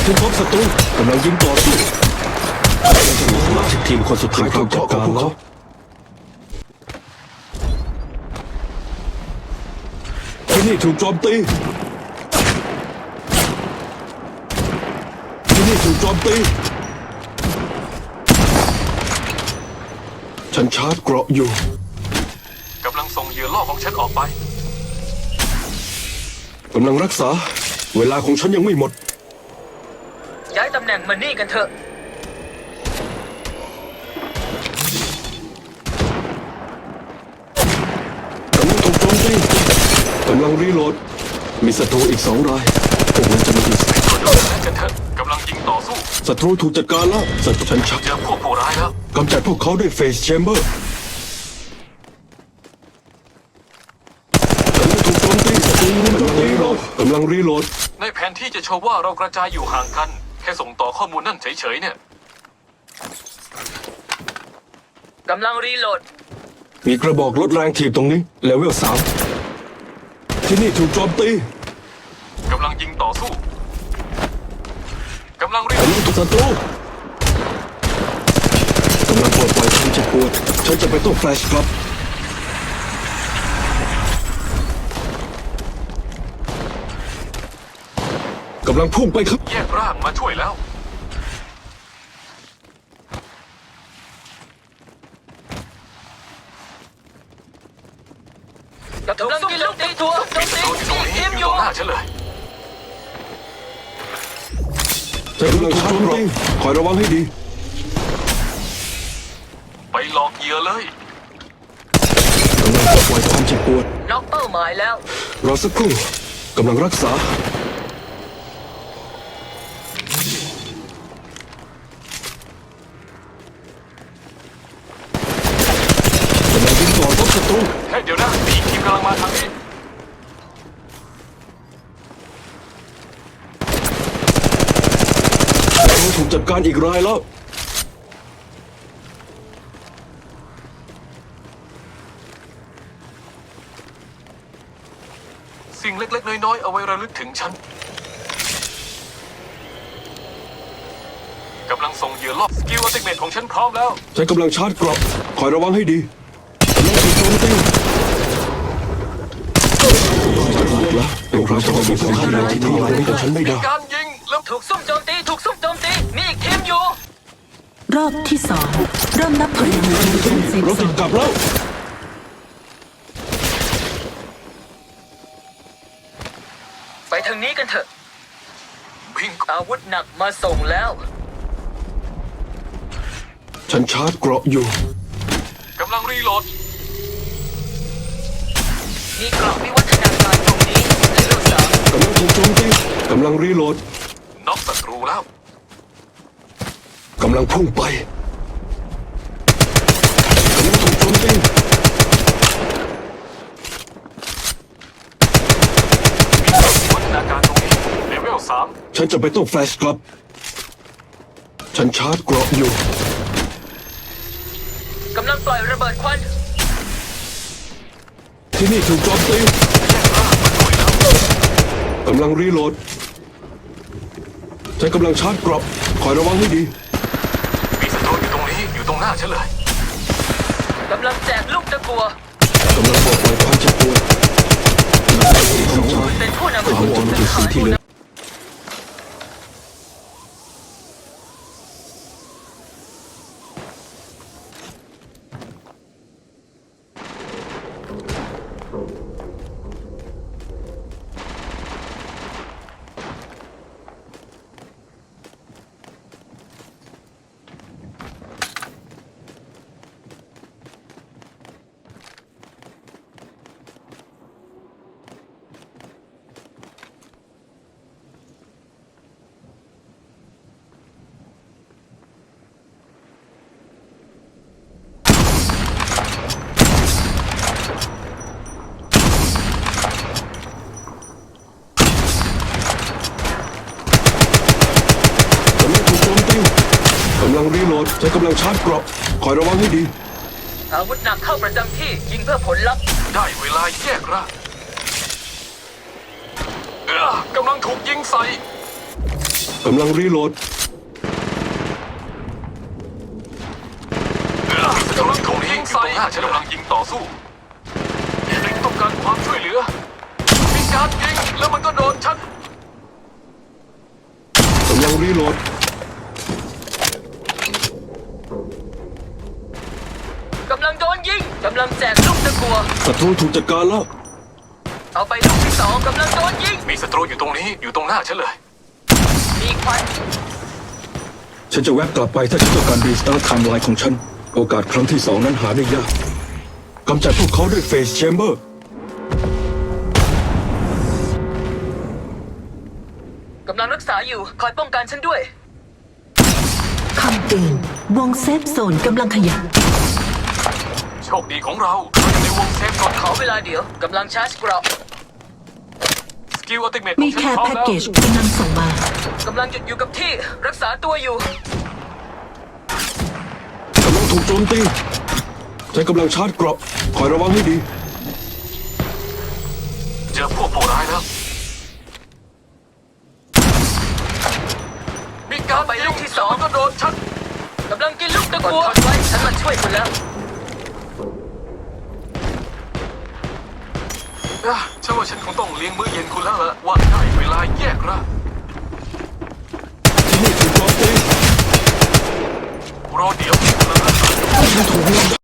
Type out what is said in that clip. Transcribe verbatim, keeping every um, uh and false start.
ฉันพบศัตรูกำลังยิงต่อสู้สมาชิกทีมคนสุดท้ายถูกจัดการแล้วที่นี่ถูกโจมตีที่นี่ถูกโจมตีฉันชาร์จเกราะอยู่กำลังส่งเหยื่อล่อของฉันออกไปกำลังรักษาเวลาของฉันยังไม่หมดย้ายตำแหน่งมานี่กันเถอะกำลังถูกโจมตีกำลังรีโหลดมีศัตรูอีกสองรายพวกนั้นจะมาดูสิกันเถอะกำลังยิงต่อสู้ศัตรูถูกจัดการแล้วศัตรูฉันชักเจอพวกผู้ร้ายแล้วกำจัดพวกเขาด้วยเฟสแชมเบอร์กำลังถูกโจมตีศัตรูกำลังรีโหลดกำลังรีโหลดในแผนที่จะโชว์ว่าเรากระจายอยู่ห่างกันแค่ส่งต่อข้อมูลนั่นเฉยๆเนี่ยกำลังรีโหลดมีกระบอกลดแรงถีบตรงนี้เลเวลสามที่นี่ถูกโจมตีกำลังยิงต่อสู้กำลังรีโหลกำลังถูกศัตรูกำลังปลดปล่อยความเจ็บปวดฉันจะไปต้องแฟลชกลับกำลังพุ่งไปครับแยกร่างมาช่วยแล้วกำลังกินลูกตีตัวโจมตีตัวอยู่ตรงนี้ทีมออยู่ ยู่ตรงหน้าฉันเลยฉันกำลังชาร์จเกราะคอยระวังให้ดีไปหลอกเหยื่อเลยกำลังปลดปล่อยความเจ็บปวดน็อกเป้าหมายแล้วรอสักครู่กำลังรักษาต่อรบศัตรูแค่เดี๋ยวนะมีทีมกำลังมาทางนี้เราถูกจัดการอีกรายแล้วสิ่งเล็กๆน้อยๆเอาไว้ระลึกถึงฉันกำลังส่งเหยื่อล่อสกิลอัลติเมทของฉันพร้อมแล้วฉันกำลังชาร์จเกราะคอยระวังให้ดีกำลังถูกโจมตีแล้วเป็นเพราะฉันมีความที่ดีที่นี่ไม่แต่ฉันไม่ได้การยิงแล้วถูกซุ่มโจมตีถูกซุ่มโจมตีมีอีกทีมอยู่รอบที่สองเริ่มนับถอยหลังสู่ช่วงเซฟเราโซติดนกลับแล้วไปทางนี้กันเถอะวิ่งอาวุธหนักมาส่งแล้วฉันชาร์จเกราะอยู่กำลังรีโหลดมีกล่องวิวัฒนาการตรงนี้เลเวลสามกำลังถูกโจมตีกำลังรีโหลดน็อกศัตรูแล้วกำลังพุ่งไปกำลังถูกโจมตีวัฒนาการตรงนี้เลเวลสามฉันจะไปต้องแฟลชกลับฉันชาร์จเกราะอยู่กำลังปล่อยระเบิดควันที่นี่ถูกโจมตีกำลังรีโหลดฉันกำลังชาร์จเกราะคอยระวังให้ดีมีศัตรูอยู่ตรงนี้อยู่ตรงหน้าฉันเลยกำลังแจกลูกตะกัวกำลังปลดปล่อยความเจ็บปวดเป็นผู้นำถาวรคือสิ่งที่เหลือกำลังรีโหลดฉันกำลังชาร์จเกราะคอยระวังให้ดีอาวุธหนักเข้าประจำที่ยิงเพื่อผลลัพธ์ได้เวลาแยกร่างกำลังถูกยิงใส่กำลังรีโหลดกำลังถูกยิงใส่ฉันกำลังยิงต่อสู้ลิงต้องการความช่วยเหลือมีการยิงแล้วมันก็โดนฉันกำลังรีโหลดกำลังโดนยิงกำลังแจกลูกตะกัวศัตรูถูกจัดการแล้วเอาไปลูกที่สองกำลังโดนยิงมีศัตรูอยู่ตรงนี้อยู่ตรงหน้าฉันเลยมีควันฉันจะแวบกลับไปถ้าฉันต้องการรีสตาร์ทไทม์ไลน์ของฉัน โอกาสครั้งที่สองนั้นหาได้ยากกำจัดพวกเขาด้วยเฟสแชมเบอร์กำลังรักษาอยู่คอยป้องกันฉันด้วยคำเตือนวงเซฟโซนกำลังขยับโชคดีของเราเราอยู่ในวงเซฟโซนขอเวลาเดี๋ยวกำลังชาร์จเกราะสกิลอัลติเมทขมีองฉันแค่พร้อมแพ็กแล้วเกจกำลังส่งมากำลังหยุดอยู่กับที่รักษาตัวอยู่กำลังถูกโจมตีฉันกำลังชาร์จเกราะคอยระวังให้ดีเจอพวกผู้ร้ายแล้วมีการไปลูกที่สองแล้วมันก็โดนฉันกำลังกินลูกตะกัวไว้ฉันมาช่วยคุณแล้วอ่ะฉันว่าฉันคงต้องเลี้ยงมื้อเย็นคุณแล้วล่ะว่าได้เวลาแยกร่างที่นี่ถูกโจมตีรอเดี๋ยวกำลังรักษาฉันถูกลำ